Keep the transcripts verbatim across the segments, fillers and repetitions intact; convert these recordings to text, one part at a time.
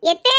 எத்தே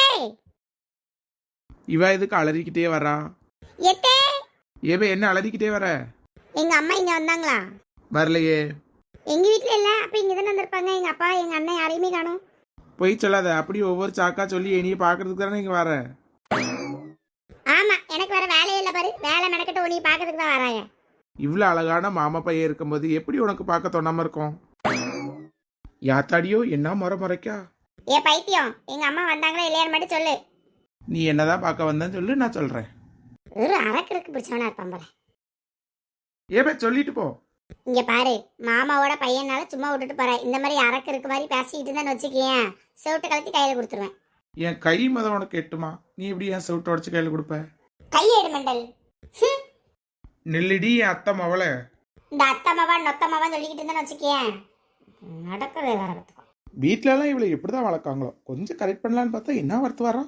இவ எதுக்கு அலறிக்கிட்டே வரா? எத்தே ஏவே என்ன அலறிக்கிட்டே வர? எங்க அம்மா இங்க வந்தாங்களா? வரலையே. எங்க வீட்ல இல்ல, அப்ப இங்க தானே வந்திருப்பாங்க. எங்க அப்பா எங்க அண்ணன் யாரையுமே காணோம். போய் சொல்லாத. அப்படி ஒவ்வொரு சாக்கா சொல்லி என்னைய பாக்குறதுக்கு தானே இங்க வர. ஆமா, எனக்கு வேற வேலையே இல்ல பாரு. வேலை மெனக்கிட்ட உன்னை பாக்கிறதுக்கு தான் வராங்க. இவ்வளவு அழகான மாமா பையன் இருக்கும்போது எப்படி உனக்கு பார்க்க தோணாம இருக்கும்? யாத்தாடியோ என்ன முறை முறைக்கா? ஏ பைத்தியம், எங்க அம்மா வந்தாங்களா இல்லையான்னு மட்டும் சொல்லு. நீ என்னதான் பார்க்க வந்தேன்னு சொல்லு, நான் சொல்றேன். ஒரு அரக்கருக்கு பிடிச்சவனா இருப்பான் போல. ஏபே சொல்லிட்டு போ. இங்க பாரு, மாமாவோட பையனால சும்மா விட்டுட்டு போற. இந்த மாதிரி அரக்கருக்கு மாதிரி பேசிக்கிட்டு இருந்தான்னு வச்சுக்கேன், செவிட்டு கலத்தி கையில கொடுத்துருவேன். என் கை மதம் உனக்கு எட்டுமா? நீ எப்படி என் செவிட்டு உடச்சு கையில கொடுப்ப? கையேடு மண்டல். நெல்லிடி என் அத்தை மவளை. இந்த அத்தம்மாவா நொத்தம்மாவா சொல்லிக்கிட்டு இருந்தான்னு வச்சுக்கேன், நடக்கவே வேற கத்துக்கும். வீட்டுல எல்லாம் இவளை எப்படிதான் வளர்க்காங்களோ. கொஞ்சம் கரெக்ட் பண்ணலான்னு பார்த்தா என்ன வரத்து வரான்.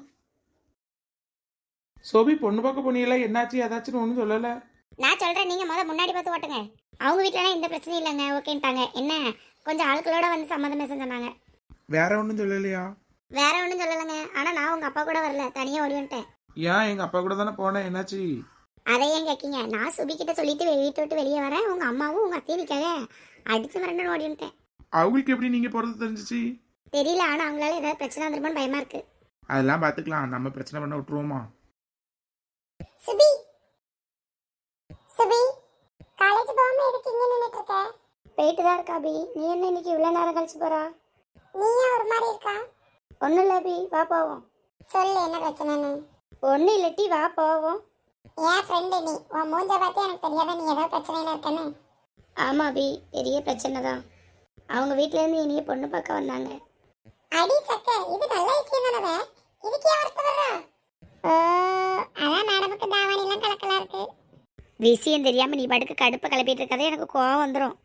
சோபி பொண்ணு பார்க்க போனீங்களா? என்னாச்சு ஏதாச்சும் ஒன்றும் சொல்லல. நான் சொல்றேன், நீங்க முத முன்னாடி பார்த்து ஓட்டுங்க. அவங்க வீட்டுல இந்த பிரச்சனை இல்லைங்க, ஓகேன்ட்டாங்க. என்ன கொஞ்சம் ஆட்களோட வந்து சம்மந்தம் பேச சொன்னாங்க. வேற ஒன்றும் சொல்லலையா? வேற ஒன்றும் சொல்லலைங்க. ஆனா நான் உங்க அப்பா கூட வரல, தனியா ஓடி வந்துட்டேன். ஏன்? எங்க அப்பா கூட தானே போனேன். என்னாச்சு? அதை ஏன் கேட்கீங்க? நான் சுபி கிட்ட சொல்லிட்டு வீட்டை விட்டு வெளியே வரேன், உங்க அம்மாவும் உங்க அத்தையும் நிற்காக அடிச்சு மிரண்டு ஓடி வந்துட்டேன். அவங்களுக்கு எப்படி நீங்க போறது தெரிஞ்சிச்சு? தெரியல, ஆனா அவங்களால ஏதாவது பிரச்சனை வந்துருமோன்னு பயமா இருக்கு. அதெல்லாம் பாத்துக்கலாம், நம்ம பிரச்சனை பண்ண விட்டுருவோமா? சுபி சுபி காலேஜ் போகாம எதுக்கு இங்க நின்னுட்டு இருக்க? போயிட்டு தான் இருக்கா பி. நீ என்ன இன்னைக்கு இவ்வளவு நேரம் கழிச்சு போறா? நீ ஏன் ஒரு மாதிரி இருக்கா? ஒன்னும் இல்ல பி, வா போவோம். சொல்லு, என்ன பிரச்சனைன்னு. ஒன்னும் இல்லட்டி, வா போவோம். ஏன் ஃப்ரெண்டு நீ, உன் மூஞ்ச பார்த்து எனக்கு தெரியாத நீ ஏதோ பிரச்சனையில இருக்கன்னு. ஆமா பி, பெரிய பிரச்சனை தான். அவங்க வீட்ல இருந்து இனிய பொண்ணு பார்க்க வந்தாங்க. அடி சக்க, இது நல்ல விஷயம் தானே. இதுக்கு ஏன் வருத்தப்படுறா? அதான் மேடமுக்கு தாவணி எல்லாம் கலக்கலா இருக்கு. விஷயம் தெரியாம நீ படுக்க கடுப்ப கிளப்பிட்டு இருக்கதே எனக்கு கோவம் வந்துடும்.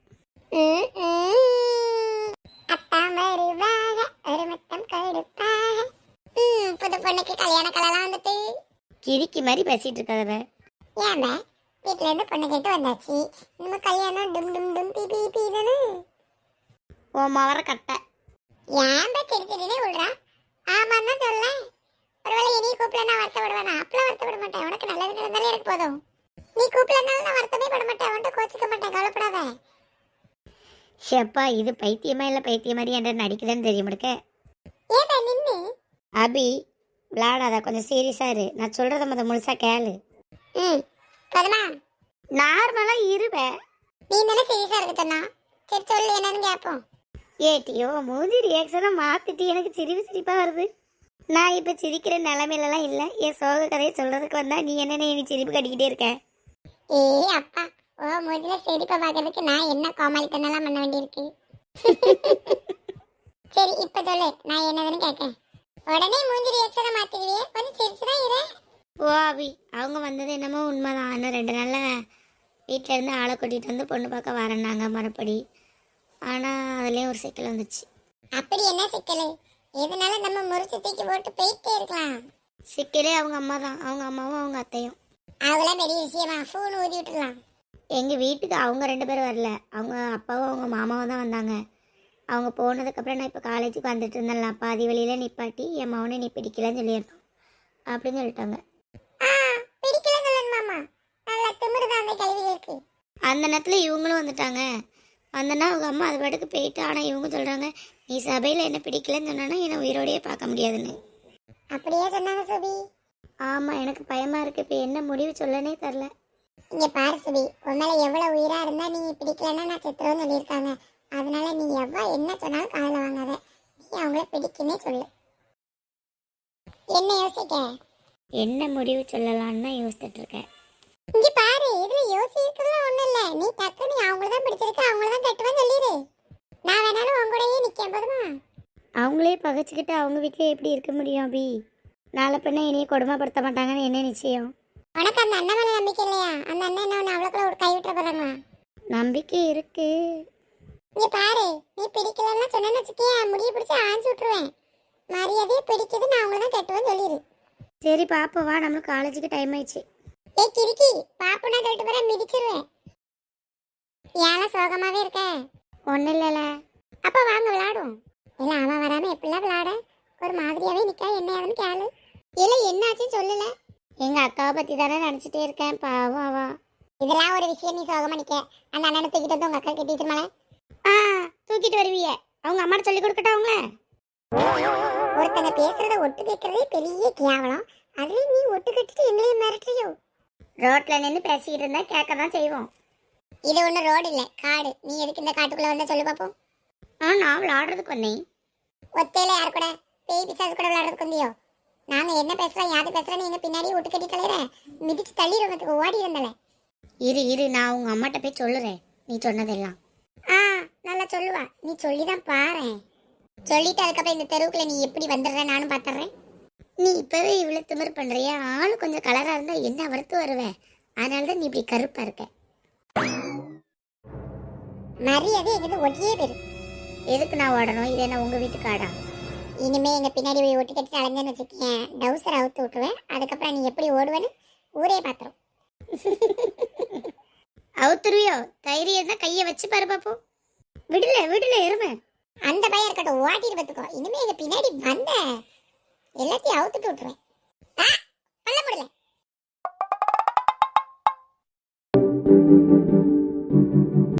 புது பொண்ணுக்கு கல்யாண கலலாம் வந்துட்டு கிரிக்கி மாதிரி பேசிட்டு இருக்காத. ஏன் வீட்டுல இருந்து பொண்ணு கேட்டு வந்தாச்சு, நம்ம கல்யாணம் டும் டும் டும் பி பி பி தானே. ஓ மவர கட்ட ஏன் செடி செடினே விடுறா? ஆமான்னு தான் சொல்ல. ஒருவேளை இனி கூப்பிட நான் வருத்தப்படுவேனா? அப்பெல்லாம் வருத்தப்பட மாட்டேன். உனக்கு நல்லது நடந்தாலே எனக்கு போதும். நீ கூப்பிடனால நான் வருத்தமே பட மாட்டேன், அவன்கிட்ட கோச்சிக்க மாட்டேன், கவலைப்படாத. ஷப்பா, இது பைத்தியமா இல்ல பைத்தியம் மாதிரி என்ற நடிக்குதுன்னு தெரிய முடிக்க. ஏடா நின்னு அபி விளையாடாத, கொஞ்சம் சீரியஸா இரு. நான் சொல்றத முத முழுசா கேளு. ம் கதமா நார்மலா இருவே. நீ தானே சீரியஸா இருக்க சொன்னா. சரி சொல்லு, என்னன்னு கேட்போம். ஏட்டியோ மூஞ்சி ரியாக்ஷனை மாத்திட்டு எனக்கு சிரிப்பு சிரிப்பா வருது. நான் இப்ப சிரிக்கிற நிலைமையிலலாம் இல்ல. என் சோக கதையை சொல்றதுக்கு வந்தா நீ என்ன நீ சிரிப்பு கட்டிக்கிட்டே இருக்க? ஏ அப்பா, ஓ மூஞ்சில சிரிப்பை பார்க்கறதுக்கு நான் என்ன கோமாளித்தனெல்லாம் பண்ண வேண்டியிருக்கு. சரி இப்ப சொல்லு, நான் என்னதுன்னு கேட்கேன். உடனே மூஞ்சி ரியாக்ஷனை மாத்திடுவியே, கொஞ்சம் சிரிச்சுதான் இரு. ஓ அபி, அவங்க வந்தது என்னமோ உண்மைதான். இன்னும் ரெண்டு நாள்ல வீட்டில இருந்து ஆளை கூட்டிட்டு வந்து பொண்ணு பார்க்க வரேன்னாங்க மறுபடி. ஆனா அதுலயும் ஒரு சிக்கல் வந்துச்சு. அப்படி என்ன சிக்கல்? எதனால நம்ம முறிச்சு தூக்கி போட்டு போயிட்டே இருக்கலாம். சிக்கலே அவங்க அம்மா தான், அவங்க அம்மாவும் அவங்க அத்தையும். அவங்களாம் பெரிய விஷயமா? ஃபோன் ஊதி விட்டுலாம். எங்கள் வீட்டுக்கு அவங்க ரெண்டு பேரும் வரல, அவங்க அப்பாவும் அவங்க மாமாவும் தான் வந்தாங்க. அவங்க போனதுக்கப்புறம் நான் இப்போ காலேஜுக்கு வந்துட்டு இருந்தேன்ல, பாதி வழியில் நிப்பாட்டி என் மகனை நீ பிடிக்கலன்னு சொல்லியிருந்தோம் அப்படின்னு சொல்லிட்டாங்க. அந்த நேரத்தில் இவங்களும் வந்துட்டாங்க. வந்தனா அவங்க அம்மா அது பாட்டுக்கு போயிட்டு. ஆனால் இவங்க சொல்கிறாங்க, நீ சபையில் என்ன பிடிக்கலன்னு சொன்னா என்னை உயிரோடையே பார்க்க முடியாதுன்னு. அப்படியே சொன்னாங்க சுபி. ஆமாம், எனக்கு பயமாக இருக்குது. இப்போ என்ன முடிவு சொல்லனே தெரில. இங்கே பாரு சுபி, உன்னால எவ்வளோ உயிராக இருந்தால் நீ பிடிக்கலன்னா நான் செத்துருவேன்னு சொல்லியிருக்காங்க. அதனால நீ எவ்வளோ என்ன சொன்னாலும் காதில் வாங்காத. நீ அவங்கள பிடிக்குன்னே சொல்லு. என்ன யோசிக்க? என்ன முடிவு சொல்லலான்னு யோசிச்சுட்டு இருக்கேன். இங்கே பாரு, இதில் யோசிக்கிறதுலாம் ஒன்றும் இல்லை. நீ டக்குனு அவங்கள தான் பிடிச்சிருக்கு, அவங்கள தான் கட்டுவேன்னு சொல்லிடு. நான் வேணாலும் உங்க கூடயே நிற்கேன், போதுமா? அவங்களே பகைச்சிக்கிட்டு அவங்க வீட்டிலே எப்படி இருக்க முடியும் அபி? நாளை பின்ன இனியே கொடுமைப்படுத்த மாட்டாங்கன்னு என்ன நிச்சயம்? உனக்கு அந்த அண்ணன் மேலே நம்பிக்கை இல்லையா? அந்த அண்ணன் என்ன ஒன்று அவ்வளோக்குள்ள ஒரு கைவிட்ட போகிறாங்களா? நம்பிக்கை இருக்கு. நீ பாரு, நீ பிடிக்கலன்னா சொன்னேன்னு வச்சுக்கேன், முடிய பிடிச்சி ஆஞ்சு விட்டுருவேன். மரியாதையே பிடிக்குது, நான் அவங்கள தான் கட்டுவேன்னு சொல்லிடு. சரி பாப்பா, வா, நம்மளுக்கு காலேஜுக்கு டைம் ஆயிடுச்சு. ஏ கிறுக்கி, பாப்புனா சொல்லிட்டு போற மிதிச்சிருவேன். ஏன்னா சோகமாவே இருக்க? ஒன்றும் இல்லைல்ல. அப்போ வாங்க விளையாடும். இல்லை அவன் வராமல் எப்படிலாம் விளையாட? ஒரு மாதிரியாவே நிக்கா, என்ன ஏதுன்னு கேளு. இல்ல என்னாச்சுன்னு சொல்லல. எங்க அக்காவை பத்தி தானே நினைச்சிட்டே இருக்கேன், பாவம் அவ. இதெல்லாம் ஒரு விஷயம், நீ சோகமா நிக்க. அந்த அண்ணனை தூக்கிட்டு வந்து உங்க அக்கா டீச்சர் மேல ஆ தூக்கிட்டு வருவிய. அவங்க அம்மா சொல்லி கொடுக்கட்டா அவங்க. ஒருத்தங்க பேசுறத ஒட்டு கேட்கறதே பெரிய கேவலம். அதுலயும் நீ ஒட்டு கட்டிட்டு எங்களையும் மிரட்டுறியோ? ரோட்ல நின்று பேசிக்கிட்டு இருந்தா கேட்க தான் செய்வோம். இது ஒன்றும் ரோடு இல்லை, காடு. நீ எதுக்கு இந்த காட்டுக்குள்ள வந்தா சொல்லு பார்ப்போம். ஆ நான் விளையாடுறதுக்கு வந்தேன். ஒத்தையில யார் கூட? பேய் பிசாசு கூட விளையாடுறதுக்கு வந்தியோ? நாங்க என்ன பேசுறோம் யாது பேசுறோம் நீங்க பின்னாடி விட்டு கட்டி தலையிற மிதிச்சு தள்ளிடுறதுக்கு ஓடி இருந்தல. இரு இரு நான் உங்க அம்மாட்ட போய் சொல்லுறேன் நீ சொன்னதெல்லாம். ஆ நல்லா சொல்லுவா, நீ சொல்லிதான் பாரு. சொல்லிட்டு அதுக்கப்புறம் இந்த தெருவுக்குள்ள நீ எப்படி வந்துடுற நானும் பாத்துறேன். நீ இப்பவே இவ்வளவு திமிர் பண்றியா? ஆளு கொஞ்சம் கலரா இருந்தா என்ன வறுத்து வருவேன். அதனாலதான் நீ இப்படி கருப்பா இருக்க. மரியாதை எங்கிட்ட ஒட்டியே போயிரு. எதுக்கு நான் ஓடணும்? இது என்ன உங்க வீட்டு காடா? இனிமே எங்க பின்னாடி போய் ஒட்டி கட்டிட்டு அலைஞ்சேன்னு வச்சுக்கேன், டவுசர் அவுத்து விட்டுருவேன். அதுக்கப்புறம் நீ எப்படி ஓடுவேன்னு ஊரே பாத்துரும். அவுத்துருவியோ? தைரியம் தான் கையை வச்சு பாரு பாப்போம். விடல விடல எருமை. அந்த பையன் இருக்கட்டும், ஓட்டிட்டு பார்த்துக்கோ. இனிமே எங்க பின்னாடி வந்த எல்லாத்தையும் அவுத்துட்டு விட்டுருவேன்.